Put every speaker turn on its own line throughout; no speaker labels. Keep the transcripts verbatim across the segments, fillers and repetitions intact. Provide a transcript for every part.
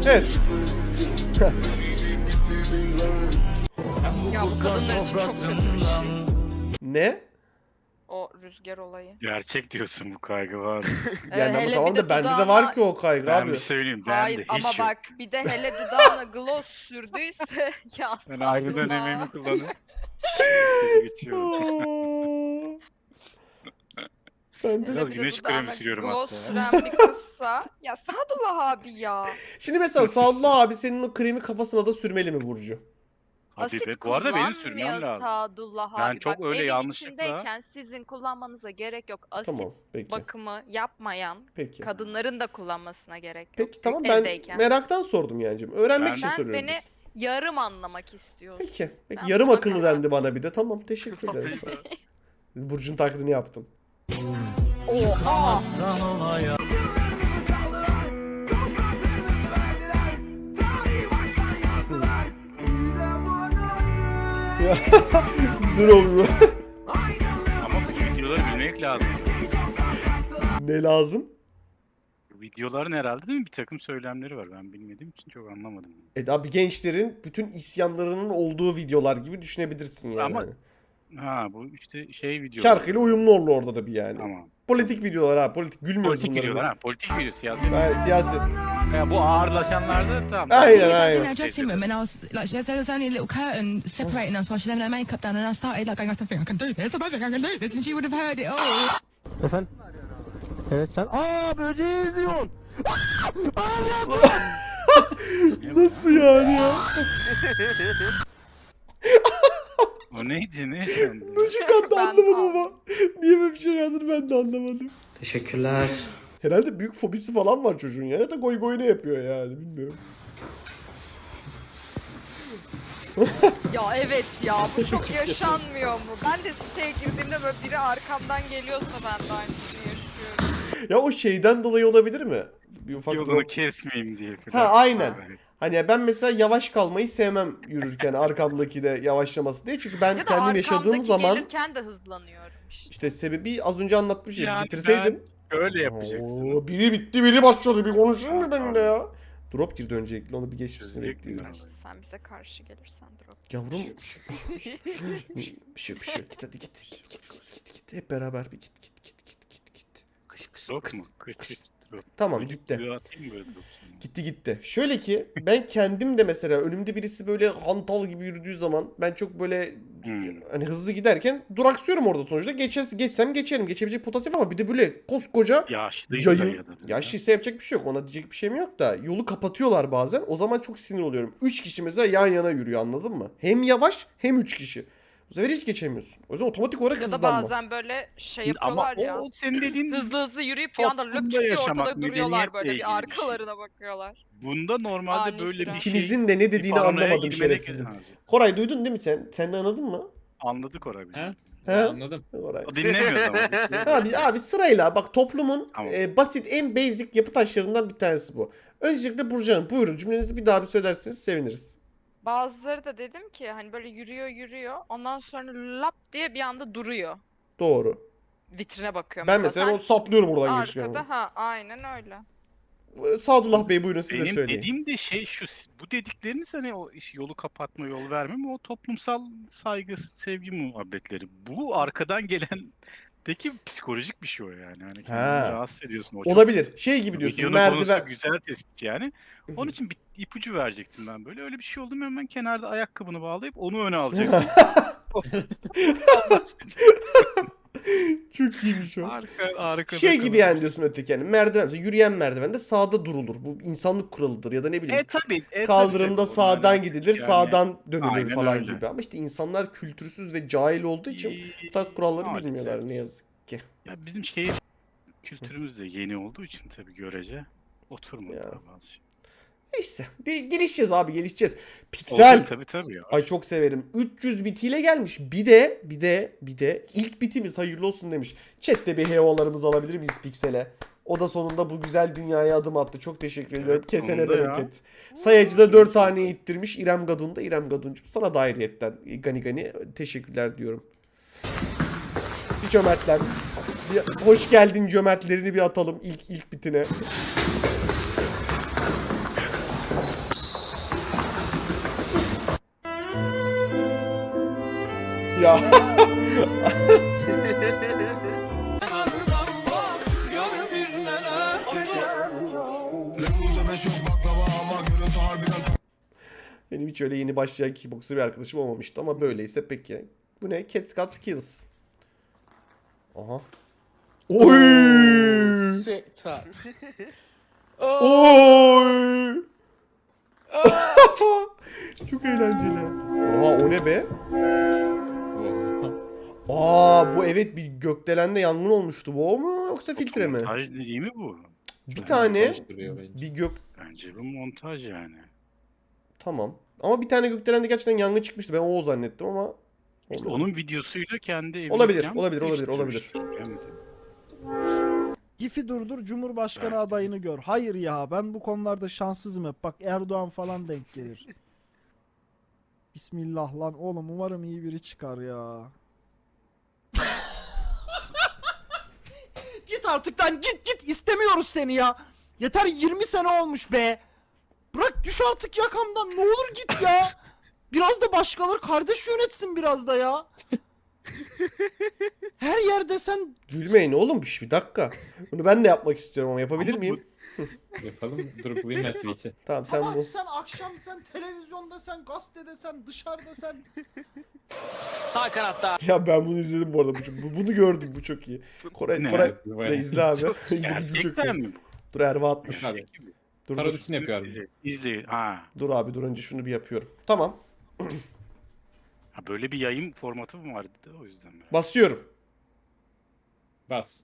Evet.
Ya bu kadınlar için çok kötü bir şey.
Ne?
O rüzgar olayı.
Gerçek diyorsun, bu kaygı var.
Yani ama
hele
tamam
bir de
da bende de
dudağına-
var ki o kaygı
Ben
abi.
bir söyleyeyim, ben
Hayır
de hiç
ama
yok.
bak bir de hele dudağına gloss sürdüyse ya
Ben ayrı
Sadullah.
dönemimi kullanıp gezi geçiyorum.
Ben de...
Biraz
Hele bir de
güneş kremi
dudağına
sürüyorum
gloss
hatta.
süren bir kızsa ya Sadullah abi ya.
Şimdi mesela Sadullah abi senin o kremi kafasına da sürmeli mi Burcu?
Hadi
Asit
be, bu arada benim sürmem
kullanmıyor
lazım.
Sadullah
Ben
abi.
çok
Bak,
öyle
evin
yanlışlıkla-
içindeyken sizin kullanmanıza gerek yok. Asit
Tamam peki.
bakımı yapmayan
Peki.
kadınların da kullanmasına gerek yok.
Peki tamam ben
evdeyken.
meraktan sordum yancım. Öğrenmek
Ben-
için
Sen
soruyoruz
beni-
biz.
Yarım anlamak istiyorsun.
Peki. Peki
Ben
yarım
buna
akıllı
karar
dendi bana bir de. Tamam teşekkür ederim sana. Burcu'nun taklidini yaptım.
Oha!
Güzel oluyor.
Ama bu videoları bilmek lazım.
Ne lazım?
Bu videoların herhalde değil mi bir takım söylemleri var. Ben bilmediğim için çok anlamadım.
E abi gençlerin bütün isyanlarının olduğu videolar gibi düşünebilirsin yani.
Ama-
Hani.
Ha, bu işte şey video.
Şarkıyla uyumlu olur orada da bir yani.
Tamam.
Politik videolar ha politik gülmüyoruz
Politik
bunlara.
videolar ha. Politik video, siyasi.
Yani siyasi.
Ya bu ağırlaşanlarda tamam.
Aynen,
I was
aynen.
in her dressing room and I was like, there there was only a little curtain separating us while she's having her makeup done, and I started like going, I don't think I can do this, I don't think I can do this, and she would have heard it all.
Efendim? Evet sen... Aa böceği izliyorsun.
Nasıl yani ya?
O neydi, ne yaşandı?
Böcek attı
Ben
anlamadım
aldım.
ama. Niye böyle bir şey yazdır ben de anlamadım.
Teşekkürler.
Herhalde büyük fobisi falan var çocuğun ya. Ya da goy goy ne yapıyor yani bilmiyorum.
Ya evet ya bu çok yaşanmıyor mu? Ben de siteye girdiğimde böyle biri arkamdan geliyorsa ben de aynısını yaşıyorum.
Ya o şeyden dolayı olabilir mi? Bir ufak
Yolunu
drop.
kesmeyeyim diye falan.
Ha aynen. Hani ben mesela yavaş kalmayı sevmem yürürken arkamdaki de yavaşlaması diye. Çünkü ben
Ya da
kendim yaşadığım
arkamdaki
zaman
gelirken de hızlanıyorum işte.
işte sebebi az önce anlatmışım.
Yani
Bitirseydim.
Öyle yapacaksın.
Oo, biri bitti biri başladı bir konuşur mu benimle ya? Drop girdi öncelikle onu bir geçmesini
Çözecek
bekliyorum.
mi?
Sen bize karşı gelirsen drop.
Yavrum. Bir şey bir şey. Git hadi git git git git git git. Hep beraber bir git git git git git git.
Drop mu? Kıç drop.
Tamam
Çocuk
gitti.
gibi atayım mı böyle drop sana?
Gitti gitti. Şöyle ki ben kendim de mesela önümde birisi böyle hantal gibi yürüdüğü zaman ben çok böyle
Hmm.
hani hızlı giderken duraksıyorum orada sonuçta. Geçer, geçsem geçerim. Geçebilecek potansiyel ama bir de böyle koskoca
Yaşlıydı da
yayın.
ya da.
Yaşlıysa yapacak bir şey yok. Ona diyecek bir şeyim yok da yolu kapatıyorlar bazen. O zaman çok sinir oluyorum. Üç kişi mesela yan yana yürüyor anladın mı? Hem yavaş hem üç kişi. Bu sefer hiç geçemiyorsun. O yüzden otomatik olarak
Ya da
hızlanma.
bazen böyle şey
Ama
yapıyorlar ya.
o senin dediğin
Hızlı hızlı yürüyüp bir anda
toplumda
löp çıkıyor
yaşamak,
ortada duruyorlar
medeniyetle
böyle
ilgili bir
bir
şey.
arkalarına bakıyorlar.
bunda normalde
Ani
böyle bir
fren.
şey.
İkinizin de ne dediğini
bir paranoya
anlamadım
girmenek
şerefsizin.
lazım.
Koray duydun değil mi sen? Sen de anladın mı?
Anladık orayı.
He?
He?
Anladım.
Koray.
O dinlemiyor ama.
Abi, abi sırayla bak toplumun
Tamam.
e, basit en basic yapı taşlarından bir tanesi bu. Öncelikle Burcu Hanım buyurun cümlenizi bir daha bir söylerseniz seviniriz.
Bazıları da dedim ki hani böyle yürüyor yürüyor ondan sonra lap diye bir anda duruyor.
Doğru.
Vitrine bakıyor.
Ben mesela
sen
onu saplıyorum buradan geçirken.
arkada ha aynen öyle.
Sadullah Bey buyurun siz de
Benim
söyleyin.
dediğim de şey şu, bu dedikleriniz hani o iş- yolu kapatma, yol verme mi, o toplumsal saygı, sevgi muhabbetleri. Bu arkadan gelendeki psikolojik bir şey o yani. Hani kendini
Ha.
rahatsız ediyorsun. O çok-
Olabilir. Şey gibi diyorsun
Videonun
merdiven.
konusu güzel tespit yani. Onun için bir ipucu verecektim ben böyle. Öyle bir şey oldu mu hemen kenarda ayakkabını bağlayıp onu öne alacaksın.
Çok iyiymiş o.
Arka, arkada
Şey gibi
kalır.
yani diyorsun öteki yani merdiven, mesela yürüyen merdivende sağda durulur. Bu insanlık kuralıdır ya da ne bileyim.
E tabi. E,
Kaldırımda
tabii, tabii.
sağdan
Onlarla
gidilir,
yani-
sağdan dönülür
Aynen
falan
öyle.
gibi. Ama işte insanlar kültürsüz ve cahil olduğu için bu tarz kuralları
Maalesef.
bilmiyorlar ne yazık ki.
Ya bizim şehir kültürümüz de yeni olduğu için tabii görece oturmadı
Ya.
daha bazı şey.
Neyse. De- gelişeceğiz abi gelişeceğiz. Piksel.
Olsun, tabii tabii ya.
Ay çok severim. üç yüz bitiyle gelmiş. Bir de bir de bir de ilk bitimiz hayırlı olsun demiş. Chat'te bir heyolarımızı alabilir miyiz Piksel'e? O da sonunda bu güzel dünyaya adım attı. Çok teşekkür ediyorum.
Evet,
Kesene
sonunda ya.
bereket. Sayacıda dört taneyi ittirmiş. İrem Gadun da İrem Gadun'cum. Sana da ayrıyetten gani gani teşekkürler diyorum. Bir cömertler. Bir hoş geldin cömertlerini bir atalım ilk ilk bitine. Ya. Benim hiç öyle yeni başlayan kickboxer bir arkadaşım olmamıştı ama böyleyse peki. Bu ne? Cat's Got Skills. Aha. Oy!
Sektar.
Oy! Çok eğlenceli. Oha o ne be? Aa bu evet bir gökdelende yangın olmuştu. Bu o mu yoksa filtre mi?
Montaj değil mi bu?
Bir tane
Montaj duruyor bence.
bir gök
Bence bu montaj yani.
tamam. Ama bir tane gökdelende gerçekten yangın çıkmıştı. Ben o zannettim ama
İşte
olmadı.
onun videosuyla kendi evini
Olabilir,
falan
olabilir, olabilir,
değiştirmiş.
olabilir.
Evet.
Gif'i durdur, Cumhurbaşkanı
Belki.
adayını gör. Hayır ya, ben bu konularda şanssızım hep. Bak Erdoğan falan denk gelir. Bismillah lan oğlum, umarım iyi biri çıkar ya. Git artık lan, git git, istemiyoruz seni ya. Yeter, yirmi sene olmuş be. Bırak, düş artık yakamdan, ne olur git ya. Biraz da başkaları kardeş yönetsin biraz da ya. Her yerde sen
Gülmeyin oğlum bir dakika. Bunu ben de yapmak istiyorum ama yapabilir
Ama
miyim?
Yapalım. Dur bulayım ben tweet'i.
Tamam sen
Ama
bu.
sen akşam sen televizyonda sen gazetede sen dışarıda sen
Sağ kanatta
Ya ben bunu izledim bu arada. Bu, bu- bunu gördüm bu çok iyi. Koray,
Ne?
Koray
Bayağı-
da izle abi. İzle bu çok
Gerçekten
iyi.
mi bu?
Dur Erva atmış.
Abi,
Dur dur.
parodisini yapıyor abi.
İzle, izle. Ha.
Dur abi dur önce şunu bir yapıyorum. Tamam.
ha. Böyle bir yayın formatı mı vardı da o yüzden. merak
Basıyorum.
Bas.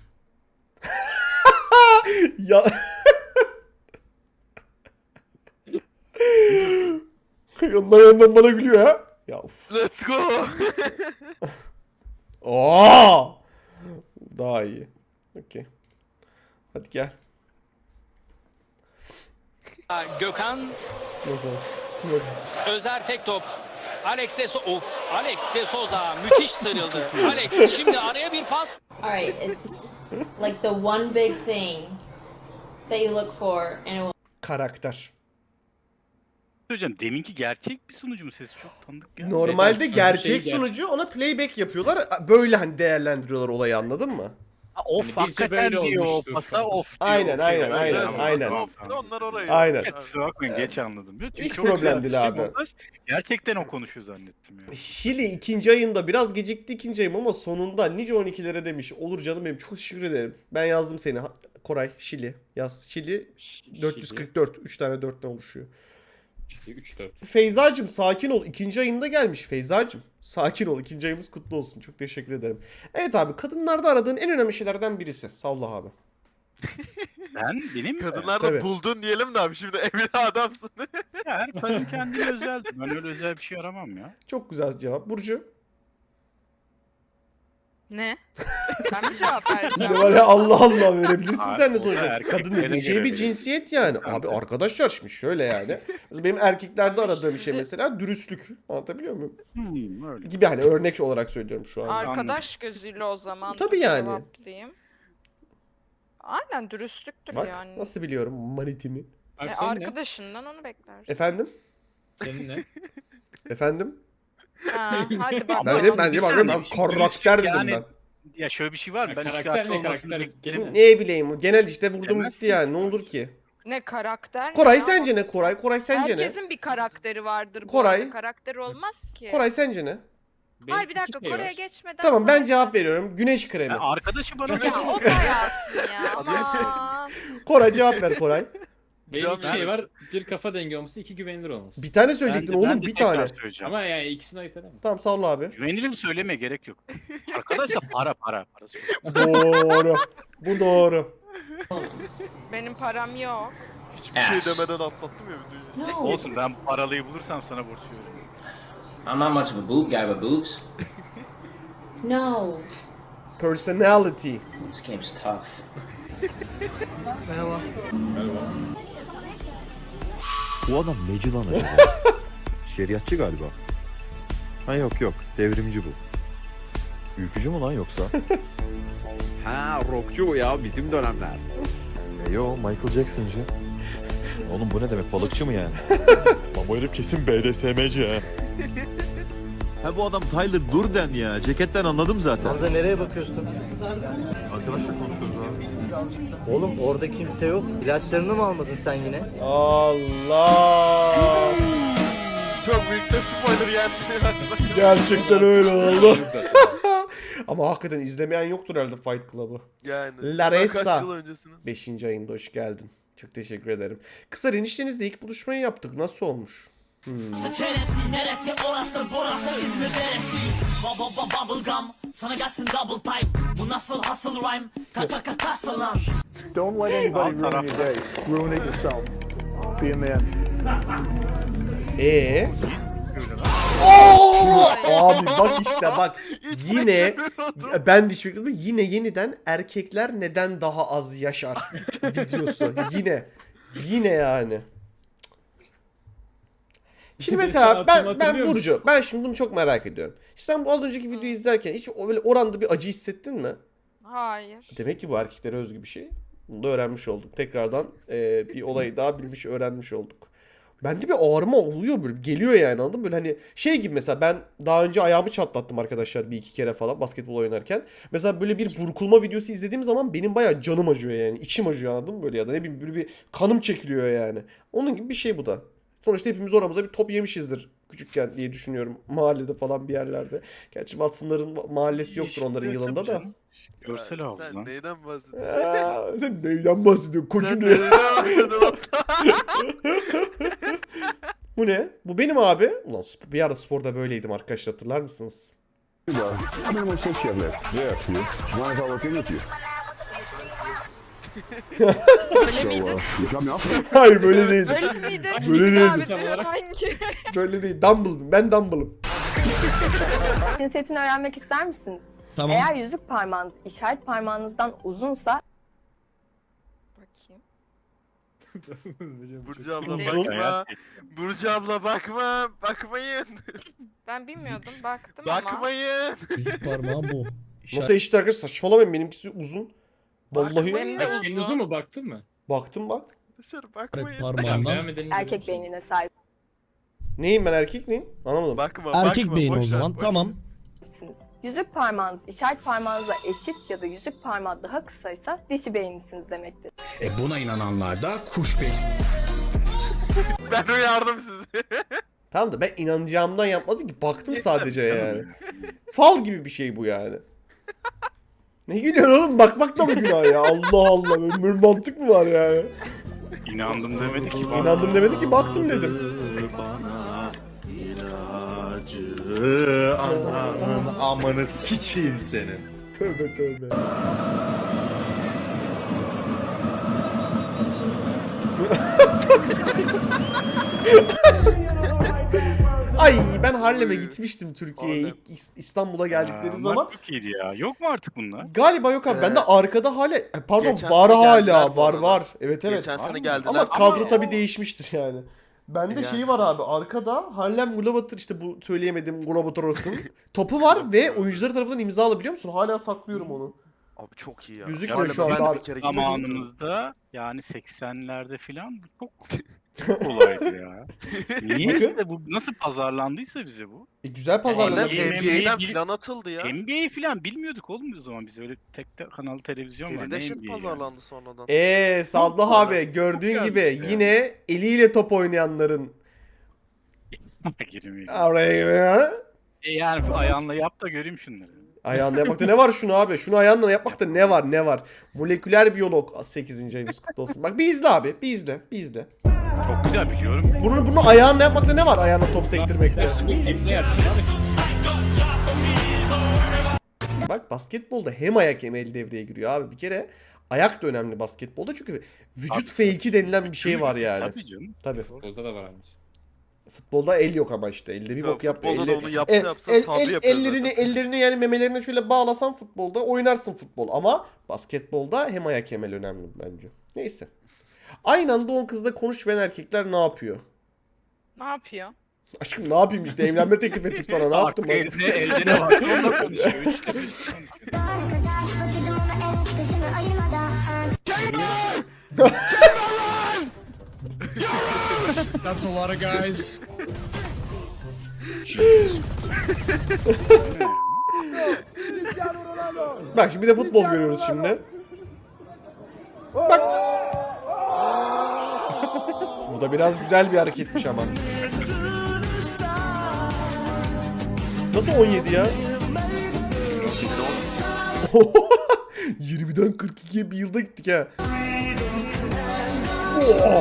Ya. Yandan yandan bana gülüyor ha. Ya uf.
Let's go.
Aa! Daha iyi. Okey. Hadi gel.
Gökhan
Bakalım. Yok.
Özer tek top. Alex de so of Alex de Souza müthiş sıyrıldı. Alex şimdi araya bir pas.
All right, it's like the one big thing that you look for in a
Karakter.
Hocam deminki gerçek bir sunucu mu, sesi çok tanıdık geldi.
Normalde
Evet,
gerçek
şey
sunucu ona playback yapıyorlar. Böyle hani değerlendiriyorlar olayı anladın mı?
Ha, of
Hani bizce
hakikaten
böyle
diyor,
olmuştur
pasa
falan.
of diyor.
Aynen,
Okey,
aynen,
evet,
aynen,
tamam,
aynen.
tamam, tamam.
Onlar orayı.
Aynen.
Evet, kusura bakmayın geç anladım. Çünkü
Hiç
çok
problem
güzel
değil
bir
abi.
montaj. Gerçekten o konuşuyor zannettim ya.
Şili ikinci ayında biraz gecikti ikinci ayım ama sonunda nice on ikilere demiş. Olur canım benim çok teşekkür ederim. Ben yazdım seni. Ha- Koray Şili yaz. Şili dört yüz kırk dört. üç tane dörtten oluşuyor.
üç dört.
Feyzacım sakin ol. İkinci ayında gelmiş Feyzacım. Sakin ol. İkinci ayımız kutlu olsun. Çok teşekkür ederim. Evet abi kadınlarda aradığın en önemli şeylerden birisi. Salla abi.
Ben benim
Kadınlar
Tabii.
da buldun diyelim de abi şimdi evli adamsın.
ya, her kadın kendine özeldir. Ben öyle özel bir şey aramam ya.
Çok güzel cevap. Burcu.
Ne? Ben mi cevap
Ne
vereceğim?
var ya Allah Allah verebilirsin
Abi,
sen de
o da
sonuçta.
erkeklere
Kadın dediğin şey
göre
bir
verir.
cinsiyet yani.
Sen
Abi
de.
arkadaşlar şimdi şöyle yani. Mesela benim erkeklerde
Abi
aradığım şey
şimdi-
mesela dürüstlük. Anlatabiliyor muyum?
Hmm, öyle.
Gibi hani örnek olarak söylüyorum şu an.
Arkadaş gözüyle o zaman
Tabii yani.
cevaplayayım. Aynen dürüstlüktür
Bak
yani.
nasıl biliyorum manitimi.
Abi
E,
senin ne?
arkadaşından onu beklersin.
Efendim?
Senin ne?
Efendim?
Ha, hadi bak.
Ben de ben de
bir
bak
saniye,
ben
şimdi
karakter dedim
yani-
ben.
Ya şöyle bir şey var mı?
Ya
Ben
karakter
üçkağıtçı
ne,
olmasını
karakter
beklerim.
kelime.
Ne bileyim genel işte vurdum
Demezsin
gitti yani ne
ki.
olur ki.
Ne karakter ne
Koray
ya?
sence ne Koray? Koray sence ne?
Herkesin bir karakteri vardır bu
Koray.
arada. Karakteri olmaz ki.
Koray sence ne?
Benim
Hayır bir dakika
iki şey
Kore'ye
var.
geçmeden.
Tamam ben
sonra-
cevap veriyorum. Güneş kremi.
Ya arkadaşı bana
Ya o da yazsın ya. Aman.
Koray cevap ver Koray.
Benim iki
Ben-
şey var. Bir kafa dengi olması, iki güvenilir olması.
Bir tane
Ben
söyleyecektin
de- ben
oğlum
de
bir
tekrar
tane.
söyleyeceğim.
Ama yani ikisini ayırt edemem.
Tamam sağ ol abi.
Güvenilir söyleme gerek yok. Arkadaşlar para para. Parası yok.
Doğru. Bu doğru.
Benim param yok.
Hiçbir şey demeden atlattım ya videoyu.
no.
Olsun ben paralıyı bulursam sana borç veririm.
I'm not much of a boob guy with boobs.
No.
Personality.
This game's tough.
Bu adam neci lan acaba? Şeriatçı galiba. Ha yok yok, devrimci bu. Ülkücü mü lan yoksa? ha rockçu bu ya, bizim dönemler. E yo, Michael Jackson'cı. Oğlum bu ne demek, balıkçı mı yani? Lan bu herif kesin B D S M'ci ha. Ha bu adam Tyler Durden ya. Ceketten anladım zaten.
Hamza nereye bakıyorsun?
Arkadaşla konuşuyoruz abi.
Oğlum orada kimse yok. İlaçlarını mı almadın sen yine?
Allah.
Çok büyük de spoiler geldi.
Gerçekten öyle oldu. Ama hakikaten izlemeyen yoktur herhalde Fight Club'ı.
Yani.
Larissa.
Kaç yıl öncesinin.
beşinci ayında hoş geldin. Çok teşekkür ederim. Kızlar eniştenizle ilk buluşmayı yaptık. Nasıl olmuş? Hmm.
Don't let anybody ruin your day. Ruin it yourself. Be a man.
Ee? Oo! Abi bak işte bak. Yine ben de hiç beklemedim. Yine yeniden erkekler neden daha az yaşar videosu. Yine. Yine yani. Şimdi mesela ben ben Burcu, ben şimdi bunu çok merak ediyorum. Şimdi sen bu az önceki videoyu izlerken hiç öyle oranda bir acı hissettin mi?
Hayır.
Demek ki bu erkeklere özgü bir şey. Bunu da öğrenmiş olduk. Tekrardan e, bir olayı daha bilmiş, öğrenmiş olduk. Bende bir ağrıma oluyor böyle. Geliyor yani, anladın mı? Böyle hani şey gibi, mesela ben daha önce ayağımı çatlattım arkadaşlar bir iki kere falan basketbol oynarken. Mesela böyle bir burkulma videosu izlediğim zaman benim bayağı canım acıyor yani. İçim acıyor, anladın mı böyle, ya da ne bileyim böyle bir kanım çekiliyor yani. Onun gibi bir şey bu da. Sonuçta hepimiz oramıza bir top yemişizdir küçükken diye düşünüyorum. Mahallede falan bir yerlerde. Gerçi Watson'ların mahallesi yoktur onların yılında da.
Görsel hafıza.
Sen neyden bahsediyorsun?
Aa, sen neyden bahsediyorsun? Koçum
Sen
ne?
neyden bahsediyorsun?
Bu ne? Bu benim abi. Ulan sp- bir ara sporda böyleydim arkadaşlar, hatırlar mısınız?
Öyle miydi?
Hayır böyle değildim.
Öyle miydi?
Böyle
Biz
değilsin.
abi diyorum, hangi?
Böyle değil. Dumble. Ben Dumble'ım.
Cinsiyetini öğrenmek ister misiniz?
Tamam.
Eğer yüzük parmağınız işaret parmağınızdan uzunsa
Bakayım.
Burcu abla
Uzun.
bakma. Burcu abla bakma. Bakmayın.
Ben bilmiyordum, baktım ama.
Bakmayın.
Yüzük parmağı bu.
Nasıl eşit arkadaşlar? Saçmalamayın, benimkisi uzun. Vallahi.
Benim de uzun.
uzun mu baktın mı?
Baktım bak.
Dışarı bakmayın.
Parmağından.
erkek beynine sahipsiniz.
Neyim ben, erkek miyim? Anlamadım.
Bakma
Erkek
bakma.
beyin o
boş ver,
zaman.
boş ver.
Tamam.
Yüzük parmağınız işaret parmağınızla eşit ya da yüzük parmağı daha kısaysa dişi beyinlisiniz demektir.
E buna inananlar da kuş beyin.
Ben uyardım sizi.
Tamam da ben inanacağımdan yapmadım ki. Baktım sadece yani. Fal gibi bir şey bu yani. Ne gülüyorsun oğlum? Bakmak da mı günah ya? Allah Allah. Böyle bir mantık mı var yani?
İnandım demedi ki. bana.
İnandım demedi ki, baktım dedim.
Ananın amanı sikeyim senin.
Tövbe tövbe. Ay ben Harlem'e gitmiştim Türkiye'ye.
Harlem.
İlk İs- İstanbul'a geldikleri
Aa,
zaman.
bunlar çok iyiydi ya. Yok mu artık bunlar?
Galiba yok abi.
Ee,
Ben de arkada hala e, pardon
geçen
var
sene
hala
geldiler bu
var
arada.
var. Evet evet.
Geçen
Var
sene
mı?
geldiler.
Ama kadro
Ama-
tabii değişmiştir yani. Bende
Yani.
şeyi var abi, arkada Harlem Globetrotter, işte bu söyleyemediğim Globetrotter'ın topu var ve oyuncuları tarafından imza alabiliyor musun? Hala saklıyorum onu.
Abi çok iyi ya.
Gözükmüyor
Harlem'e
şu anda
ben de
abi.
bir kere gitmek istiyorum.
Zamanımızda yani seksenlerde filan bu çok çok olaydı ya. Niyeyse bu nasıl pazarlandıysa bize bu.
E, güzel
Harlem
pazarladı.
Harlem-
N B A'den
N B A
falan atıldı ya.
N B A filan bilmiyorduk oğlum o zaman biz öyle tek tek kanal televizyon var.
Geride
Ne
şimdi
N B A ya?
pazarlandı sonradan.
Eee Sadullah
Çok
abi gördüğün
Çok
gibi
gelmiş yani.
yine eliyle top oynayanların
Girmiyor.
araya
E yani ayağınla yap da göreyim şunları.
ayağında yapmakta ne var şunu abi? Şunu ayağınla yapmakta ne var ne var? Moleküler biyolog sekizinci ayımız kutlu olsun. Bak bir izle abi, bir izle, bir izle.
Çok güzel biliyorum.
Bunu bunu ayağınla yapmakta ne var? Ayağına top sektirmekte.
Ne yersin abi?
Bak basketbolda hem ayak hem el devreye giriyor abi. Bir kere ayak da önemli basketbolda çünkü vücut fake'i denilen bir şey var yani.
Tabii canım.
Tabii.
Futbolda da var aynısı.
Futbolda el yok ama işte. Elde bir
Ya
bok yap.
futbolda
elle-
da onu yapsa
el-
yapsa
el-
Sabri
el-
yapıyor
ellerini,
zaten.
ellerini yani memelerine şöyle bağlasan futbolda oynarsın futbol. Ama basketbolda hem ayak hem el önemli bence. Neyse. Aynı anda on kızla konuşmayan erkekler ne yapıyor?
Ne yapıyor?
Aşkım ne yapayım işte, evlenme teklif ettik sana, ne yaptım
Artık
ben?
elde, elde ne varsa onunla konuşuyor. Üçte bir konuşuyor.
That's a lot of guys.
Bak şimdi bir de futbol görüyoruz şimdi. Bak. Bu da biraz güzel bir hareketmiş ama. Nasıl on yedi ya? yirmiden kırk ikiye bir yılda gittik ha. Oh.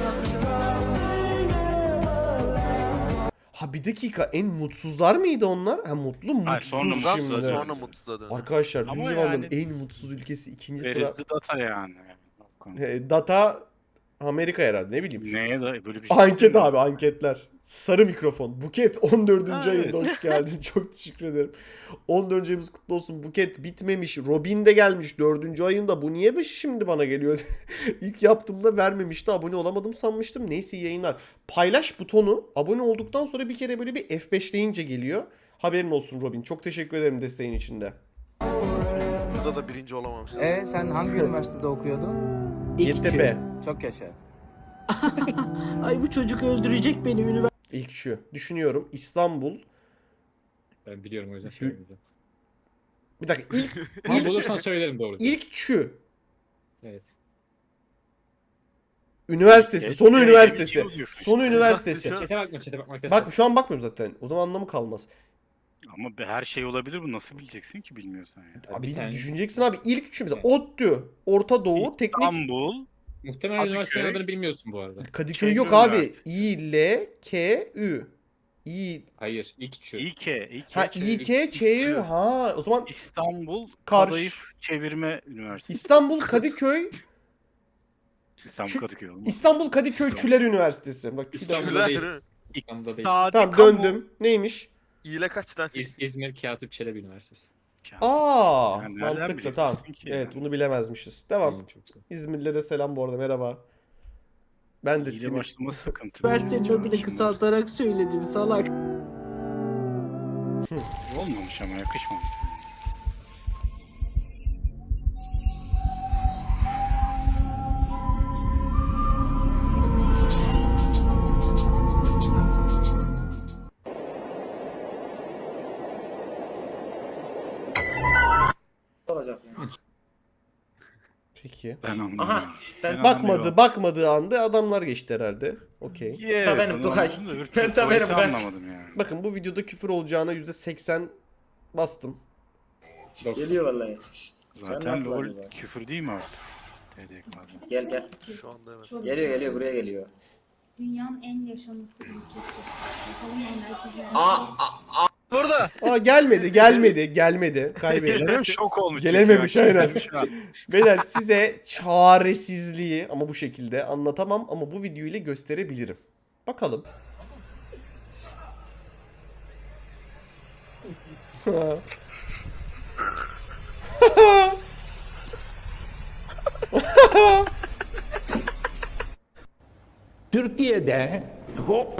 Ha bir dakika, en mutsuzlar mıydı onlar? Ha mutlu mutsuz
Hayır, sonra
şimdi.
mutsuz,
Sonra mutsuz döndü.
Arkadaşlar
Ama
dünyanın
yani-
en mutsuz ülkesi ikinci sıra.
Where is the data yani?
E, Data Amerika herhalde, ne bileyim.
Neye da böyle bir şey
Anket
değil mi?
abi, anketler. Sarı mikrofon. Buket on dördüncü
Ha,
ayında
evet.
hoş geldin. Çok teşekkür ederim. on dördüncü ayımız kutlu olsun. Buket bitmemiş. Robin de gelmiş dördüncü ayında. Bu niye beş şimdi bana geliyor? İlk yaptığımda vermemişti. Abone olamadım sanmıştım. Neyse, iyi yayınlar. Paylaş butonu abone olduktan sonra bir kere böyle bir F beşleyince geliyor. Haberin olsun Robin. Çok teşekkür ederim desteğin içinde.
Burada da birinci olamamışlar.
Ee sen hangi üniversitede okuyordun?
Yeditepe.
Çok yaşa.
Ay bu çocuk öldürecek beni üniversite.
İlk şu. Düşünüyorum. İstanbul.
Ben biliyorum, o yüzden söylemeyeceğim.
Bir dakika. İlk,
Ama
ilk,
bulursan söylerim doğru.
ilk şu.
Evet.
Üniversitesi.
Evet,
Sonu
evet,
üniversitesi.
evet, diyorsun
Sonu
işte.
üniversitesi.
Çete bakma, çete bakma.
Bak şu an bakmıyorum zaten. O zaman anlamı kalmaz.
Ama be- her şey olabilir, bu nasıl bileceksin ki bilmiyorsan ya.
Abi
bir tane-
düşüneceksin abi. İlk üçü mesela ODTÜ, Orta Doğu, Teknik.
İstanbul,
Muhtemelen
Kadıköy.
üniversitenin adını bilmiyorsun bu arada.
Kadıköy
Çevre
yok abi.
Üniversitesi.
İ, L, K, Ü. İ,
Hayır, ilk şu.
İK, İK,
ha İ, K, Ç, Ü. Ha o zaman
İstanbul
Karş-
Kadayıf Çevirme Üniversitesi.
İstanbul Kadıköy,
İstanbul
Şu-
Kadıköy olmaz.
İstanbul Kadıköyçüler Üniversitesi. Bak şu da-
İstanbul'da değil.
Şuler.
İstanbul'da değil.
İktisadi
Tamam
kamu-
döndüm. Neymiş?
İyile kaç tane?
İz- İzmir Katip Çelebi Üniversitesi.
Aa,
Yani nereden
mantıklı tamam.
bileceksin ki
Evet,
yani?
bunu bilemezmişiz. Devam.
Tamam, çok güzel.
İzmirlilere selam bu arada, merhaba. Ben de
İyi de
simit.
başlama sıkıntı.
Üniversitenin adını kısaltarak söyledim salak.
Olmamış ama yakışmamış.
Peki.
Ben anlamadım. Ben
Bakmadı,
anlamıyorum.
bakmadığı anda adamlar geçti herhalde. Okey.
Evet,
benim,
onu
Dukaş.
anladım da öbür
Ben de
tuvaleti
benim, ben.
anlamadım yani.
Bakın bu videoda küfür olacağına yüzde seksen bastım.
Dokuz.
vallahi.
Zaten
nasıl
LoL
acaba?
küfür değil mi artık? T D K'da.
Gel gel.
Şu anda evet.
Geliyor geliyor buraya geliyor.
Dünyanın en yaşanması ülkesi. Bakalım
Aa,
Burada.
Aa gelmedi, gelmedi, gelmedi. Kaybettim.
Gelirim şok olmuş.
Gelememiş,
çünkü.
aynen.
Şu an.
Beyler size çaresizliği ama bu şekilde anlatamam ama bu video ile gösterebilirim. Bakalım.
Türkiye'de hop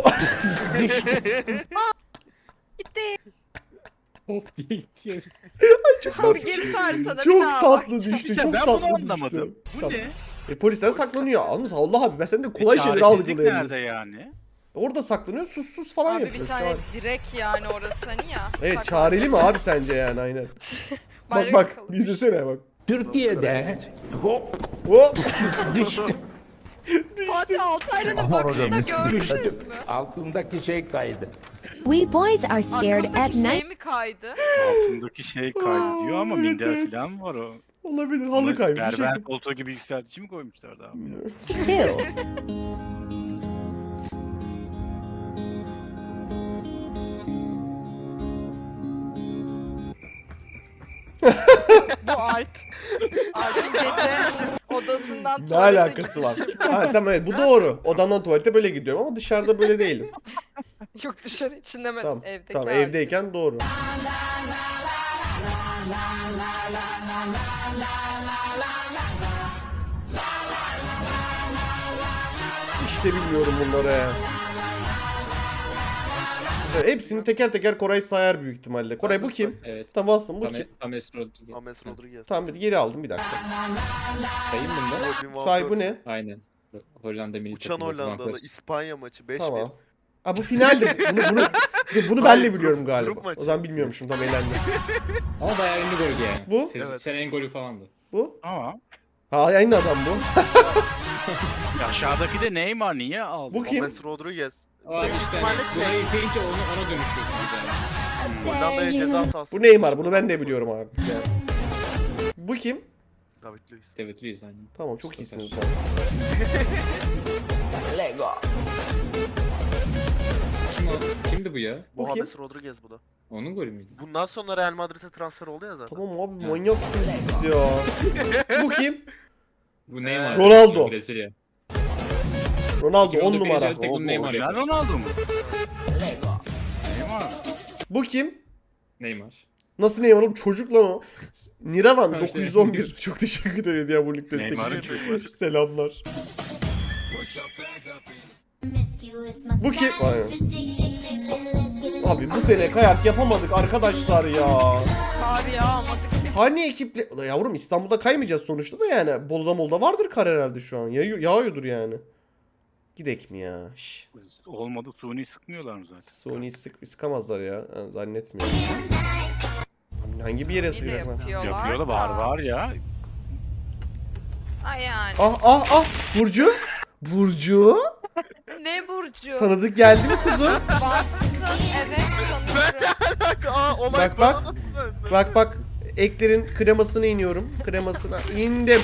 Gitti.
Hop diye gitti.
Abi geri haritada bir
Çok
daha
tatlı
bakacağım.
düştü,
Ya
çok
ben
tatlı
bunu
düştü.
anlamadım. Bu
Tamam.
ne?
E, polisler saklanıyor. Almış Allah abi, ben sen de kolay şeyleri
Çaresizlik nerede
algılayabiliyorsun.
yani?
Orada saklanıyor, sus sus falan
Abi bir
yapıyor.
tane
Çare-
direkt yani orası hani ya.
Evet,
Saklan-
çareli mi abi sence yani, aynen. Bak
Bayrak
bak,
bakalım.
bir izlesene bak.
Türkiye'de hop
Hop.
Fatih Altaylı'nın bakışını gördünüz mü?
altındaki şey kaydı.
We boys are scared at
Aklındaki şey
night.
mi kaydı?
Altındaki şey kaydı diyor ama
Evet,
minder
evet.
falan var o.
Olabilir, halı kaybı bir şey.
Berber koltuğu gibi yükseltici mi koymuşlardı abi?
Too.
Bu Alp. Alp'in gece odasından
Ne
tuvalete
alakası var?
gitmiş.
Ha tamam, evet, bu doğru. Odamdan tuvalete böyle gidiyorum ama dışarıda böyle değilim.
Yok dışarı içinde mi?
Tamam.
Evdeki
Tamam,
Alp.
evdeyken doğru. İşte bilmiyorum bunları. Mesela hepsini teker teker Koray sayar büyük ihtimalle. Koray bu kim?
Evet.
Tamam alsın, bu
Tam
kim?
Ames Rodriguez.
Ames Rodriguez.
Tamam, bir geri aldım bir dakika.
Sayayım bunda.
Robin Van
Say bu
Persie.
ne?
Aynen. Hollanda milli
Uçan
takımı, Van
Hollandalı
Persie.
İspanya maçı beş bir.
Tamam. Aa bu finaldi. Bunu, bunu, Dur, bunu ben
Hayır,
de
grup-
biliyorum
grup
galiba.
maçı.
O zaman bilmiyormuşum, tam eğlendim.
Ama bayağı ünlü goldü yani.
Bu?
Siz,
Evet.
Sen en golü falandı.
Bu?
Ama
Ha, aynı adam bu.
aşağıdaki de Neymar niye aldı?
Bu kim?
James Rodriguez.
O işte hani burayı izleyince onu, ona dönüşüyorsunuz yani.
Hollanda'ya ceza sahası.
Bu Neymar, bunu ben de biliyorum abi. Yani. Bu kim?
David Luiz.
David Luiz aynen.
Tamam, çok iyisiniz.
Kim o? Kimdi bu ya?
Bu kim?
James Rodriguez bu da.
Onun golü müydü?
Bundan sonra Real Madrid'e transfer oldu ya zaten.
Tamam abi,
Ya.
manyaksınız siz ya. Bu kim?
Bu Neymar.
Ronaldo.
Brezilya.
Ronaldo
iki bin on
on
dokuz
numara.
özel tek bunu Neymar
Orijinal
yapmış.
Ronaldo mu? Neymar.
Bu kim?
Neymar.
Nasıl Neymar oğlum? Çocuk lan o. Niravan
Ha,
dokuz yüz on bir. Çok teşekkür ederim ya bu lig
Neymar'ın
destek için. Selamlar. Bu kim? Aynen. Abi bu sene kayak yapamadık arkadaşlar ya.
Kar yağmadı.
Hani ekiple... Ulan yavrum, İstanbul'da kaymayacağız sonuçta da yani. Bolu'da Mol'da vardır kar herhalde şu an. Yağıyor, yağıyordur yani. Gidek mi ya? Şş.
Olmadı, suni sıkmıyorlar mı zaten?
Sony'yi sık, sıkamazlar ya. Ha, zannetmiyorum. Hangi bir yere
Yine
sıkacaklar?
yapıyorlar.
Yapıyorlar,
da.
var var ya.
Ha yani.
Ah ah ah! Burcu? Burcu?
Ne Burcu?
Tanıdık geldi mi kuzum?
Baksın, evet sanırım.
Aa, olay
Bak,
bana
bak.
nasıl döndü?
Bak bak. Eklerin kremasına iniyorum. Kremasına indim.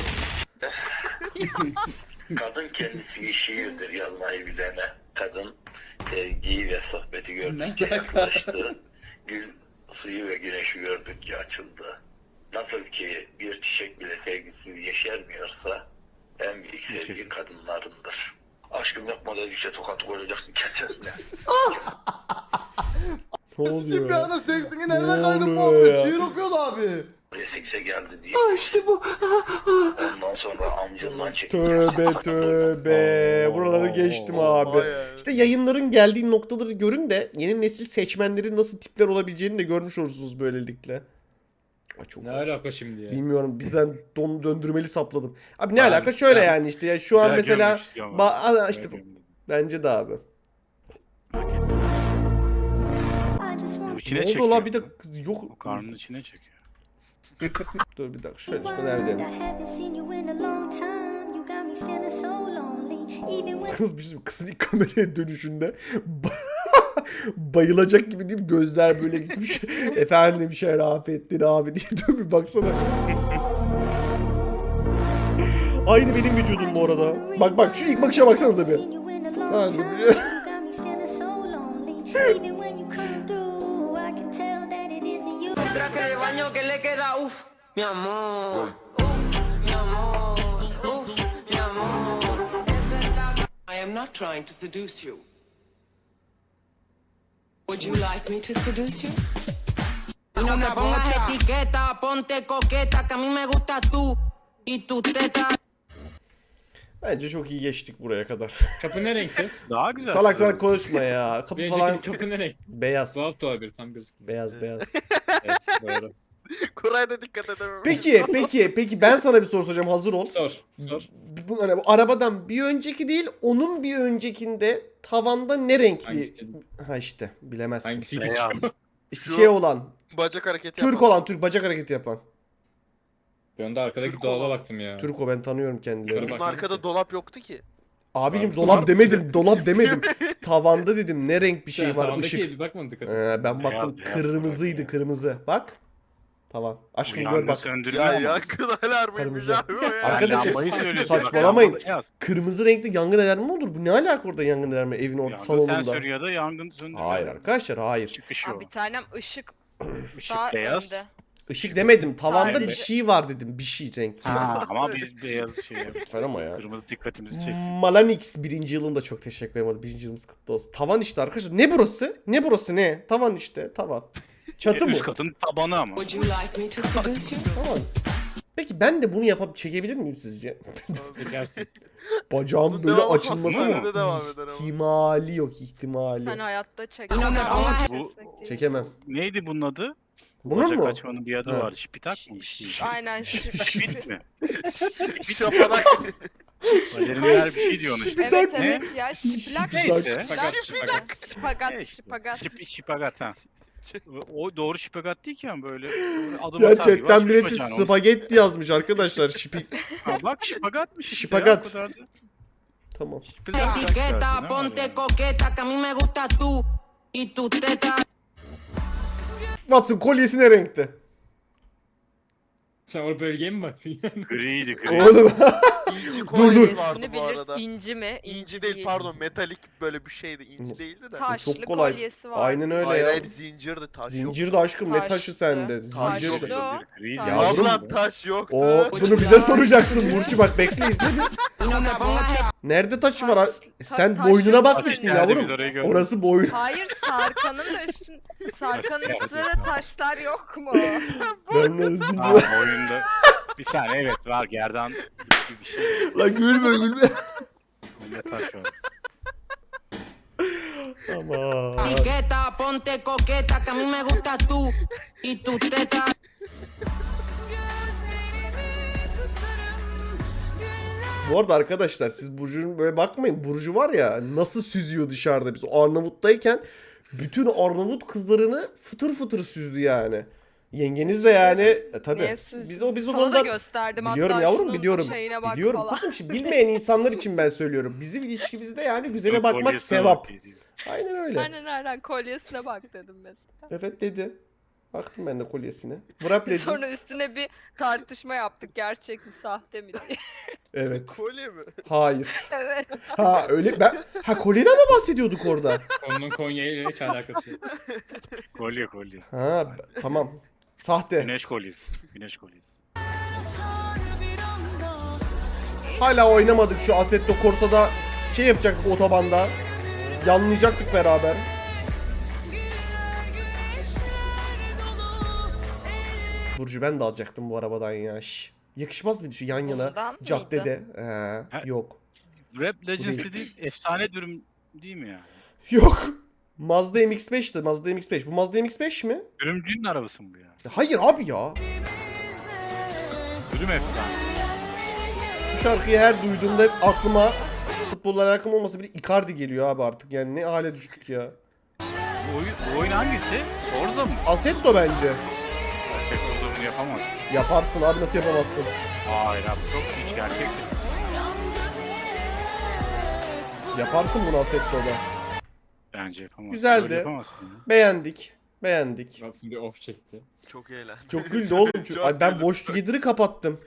Kadın kendisi şiirdir yazmayı bilene. Kadın sevgiyi ve sohbeti gördükçe yaklaştı. Gül suyu ve güneşi gördükçe açıldı. Nasıl ki bir çiçek bile sevgisiz yeşermiyorsa en büyük sevgi kadınlarındır. Aşkım yapma dedikçe tokat koyacaksın kesesine.
Ne oluyor?
Bir ana seksini
Ne
nerede kaydı
oluyor
muhabbet?
ya?
Şiir okuyordu abi.
Buraya sekse geldi diye.
Aa işte bu.
Ondan sonra amcından çekti.
Tövbe tövbe. Buraları geçtim abi.
Bayağı.
İşte yayınların geldiği noktaları görün de yeni nesil seçmenlerin nasıl tipler olabileceğini de görmüş olursunuz böylelikle. Ay çok
Ne alaka şimdi ya?
bilmiyorum, birden don döndürmeli sapladım. Abi ne
Abi,
alaka şöyle
ya-
yani işte ya şu an
Güzel
mesela
görmüş ama.
ba- Aa,
Güzel
işte
görmüş.
bence de abi.
Bu içine
Ne
çekiyor.
oldu la, bir de yok.
O karnının içine çekiyor.
Dur bir dakika şöyle işte neredeyim? Kız bir şey- kızın ilk kameraya dönüşünde ba- bayılacak gibi değil mi? Gözler böyle gitmiş. Efendim Şerafettin abi diye dön bir baksana. Aynı benim vücudum bu arada. Bak bak şu ilk bakışa baksanıza bir. Ha, dur.
Traje de baño que le queda uff, mi amor. Uff, mi amor. Uff, mi amor. I am not trying to seduce you. Would you like me to seduce you? No te pongas etiqueta, ponte coqueta, que a mí me gusta tú y tu teta.
Bence çok iyi geçtik buraya kadar.
Kapı ne renkti?
Daha güzel.
Salak salak konuşma ya. Kapı
Bir
falan
önceki kapı ne renk?
beyaz.
Tuhaf tuhaf bir tam gözükmüyor.
Beyaz beyaz.
Evet doğru.
Kuray'a da dikkat edemem.
Peki peki peki ben sana bir soru soracağım, hazır ol.
Sor sor.
Bu, hani bu arabadan bir önceki değil, onun bir öncekinde tavanda ne renk bir...
Hangisi?
Ha işte bilemezsin.
Hangisiydi?
Beyaz.
İşte
Şu-
şey olan,
Bacak hareketi
Türk
yapan.
olan, Türk bacak hareketi yapan.
Ben de arkadaki
Türk
dolaba
olan.
baktım ya.
Türk o, ben tanıyorum kendilerini.
Yukarı
Bunun
bak.
arkada dolap yoktu ki.
Abicim
Var
dolap
mı?
demedim, dolap demedim. Tavanda dedim, ne renk bir şey
Sen
var,
tavandaki
ışık.
bir bakmadın dikkat et.
Ee, ben baktım
beyaz
kırmızıydı,
ya.
kırmızı. Bak. Tavan. Aşkım gör
Yangın
bak.
söndürüyor
Ya
ama.
yankın alarmıymış
Kırmızı.
abi o ya.
Arkadaşlar,
Lambayı söylüyorum.
saçmalamayın.
Lamba beyaz.
Kırmızı renkli yangın alarmı mı olur? Bu ne alaka orada yangın alarmı evin orta
Yangın
salonunda?
sensörü ya da yangın söndürüyor.
Hayır arkadaşlar, hayır.
Çıkışı o.
Abi bir tanem ışık
Işık
daha
beyaz.
önde.
Işık demedim. Tavanda
Sadece-
bir şey var dedim. Bir şey renkli.
Ha, ama biz beyaz şey yaptık.
Lütfen ama ya.
Kırmızı dikkatimizi çekti.
Malanix birinci yılında çok teşekkür ederim. Birinci yılımız kutlu olsun. Tavan işte arkadaşlar. Ne burası? Ne burası ne? Tavan işte. Tavan. Çatı mı?
Üst katın tabanı ama.
Would you like me to seduce you?
Tavan. Peki ben de bunu yapıp çekebilir miyim sizce?
Çekersin.
Bacağım
Bunun
böyle
devamı
açılması
hastanede
mı?
devam eder ama.
İhtimali yok, ihtimali.
Sen hayatta çek.
No te pongas
Bu
Çekemem.
neydi bunun adı?
Bunun
Bacak
mu?
açmanın bir adı
Ha.
var. Şipitak mı? Bir şey.
Aynen şık.
Şipit mi?
Şapanak.
Balerinler bir şey diyor ona işte.
Şipitak
Evet
mı?
evet ya şiplak.
Neyse.
Şiplak.
Şipitak.
Şipagat.
Evet işte.
Şipagat.
Şip, şipagat ha. O doğru şipagat değil ki ama böyle adım atar
Ya
gibi
chatten
açmış
birisi
bacağını.
spagetti yazmış arkadaşlar. Şipik.
Ha, bak şipagatmış işte
Şipagat.
ya, o kadar da.
Tamam.
Etiqueta, ponte coqueta, que a mí me gusta tú y tu teta.
Watson kolyesi ne renkte?
Sen o bölgeye mi baktın?
Griydi gri.
Oğlum.
İnci
Dur,
kolyesi
dur.
vardı
İsmini
bu
bilir.
arada.
İnci mi?
İnci değil pardon metalik böyle bir şeydi. İnci
Nasıl?
değildi de.
Taşlı
Çok kolay.
kolyesi var.
Aynen öyle
Hayır
ya.
hayır zincirdi taş yok.
Zincir de aşkım ne taşı
Taşlı.
sende?
Taş
Zincir
yok.
de.
o.
Griydi.
Taş-
Yavrum.
Ablam taş yoktu.
O bunu bize soracaksın Burcu bak bekle izle bir. Nerede taş var?
Taş-
Sen
taş
boynuna
yok
bakmışsın
mu?
Nerede
yavrum.
biz orayı görmedik.
Orası boyun.
Hayır Sarkan'ın da üstün Sarkan'ın üstünde de taşlar yok mu?
Ben de zincir.
Ha, oyunda. Bir saniye evet var gerdan gibi bir şey.
Lan gülme gülme.
Oyunda taş var.
Aman.
Etiqueta, ponte coqueta, que a mí me gusta tú y tu teta.
Bu arada arkadaşlar siz Burcu'nun böyle bakmayın. Burcu var ya nasıl süzüyor dışarıda biz. O Arnavut'tayken bütün Arnavut kızlarını fıtır fıtır süzdü yani. Yengeniz de yani e, tabii.
Niye süzdün?
Biz o biz o
Sana da
konuda
gösterdim
biliyorum
hatta
yavrum
şunun
biliyorum.
şeyine bak
Biliyorum
falan.
kuzum şimdi bilmeyen insanlar için ben söylüyorum. Bizim ilişkimizde yani güzele bakmak
Kolyesine
sevap.
bak diyor.
Aynen öyle.
Aynen aynen kolyesine bak dedim mesela.
Evet dedi. Baktım ben de kolyesine. Wrapledi.
Sonra üstüne bir tartışma yaptık gerçek mi sahte mi diye.
Evet.
Kolye mi?
Hayır.
Evet.
Ha öyle ben ha kolyeden mi bahsediyorduk orada?
Onun Konya ile hiç alakası yok.
Kolye kolye.
Ha b- tamam. Sahte.
Güneş kolyesi. Güneş kolyesi.
Hala oynamadık şu Assetto Corsa'da şey yapacaktık otobanda. Yanlayacaktık beraber. Burcu ben de alacaktım bu arabadan ya. Şş. Yakışmaz mıydı şu yan yana
Bundan
caddede? Ee,
Ha.
yok.
Rap Legends
değil.
dediğin efsane dürüm değil mi ya?
Yok. Mazda M X beş'ti. Mazda M X beş. Bu Mazda M X beş mi?
Dürümcünün arabası mı bu ya?
Hayır abi ya.
Dürüm efsane.
Bu şarkıyı her duyduğumda hep aklıma futbolla alakam olmasa bile Icardi geliyor abi artık. Yani ne hale düştük ya.
Bu oyun, bu oyun hangisi? Forza mı?
Assetto bence.
Gerçek olduğunu yapamaz.
Yaparsın abi nasıl yapamazsın?
Hayır abi çok hiç gerçek.
Yaparsın bunu Assetto'da.
Bence yapamaz.
Güzeldi.
Öyle yapamazsın ya.
Beğendik. Beğendik.
Watson bir off çekti.
Çok eğlenceli.
Çok güldü oğlum.
Çok
Ay ben
güldüm.
Watch Together'ı kapattım.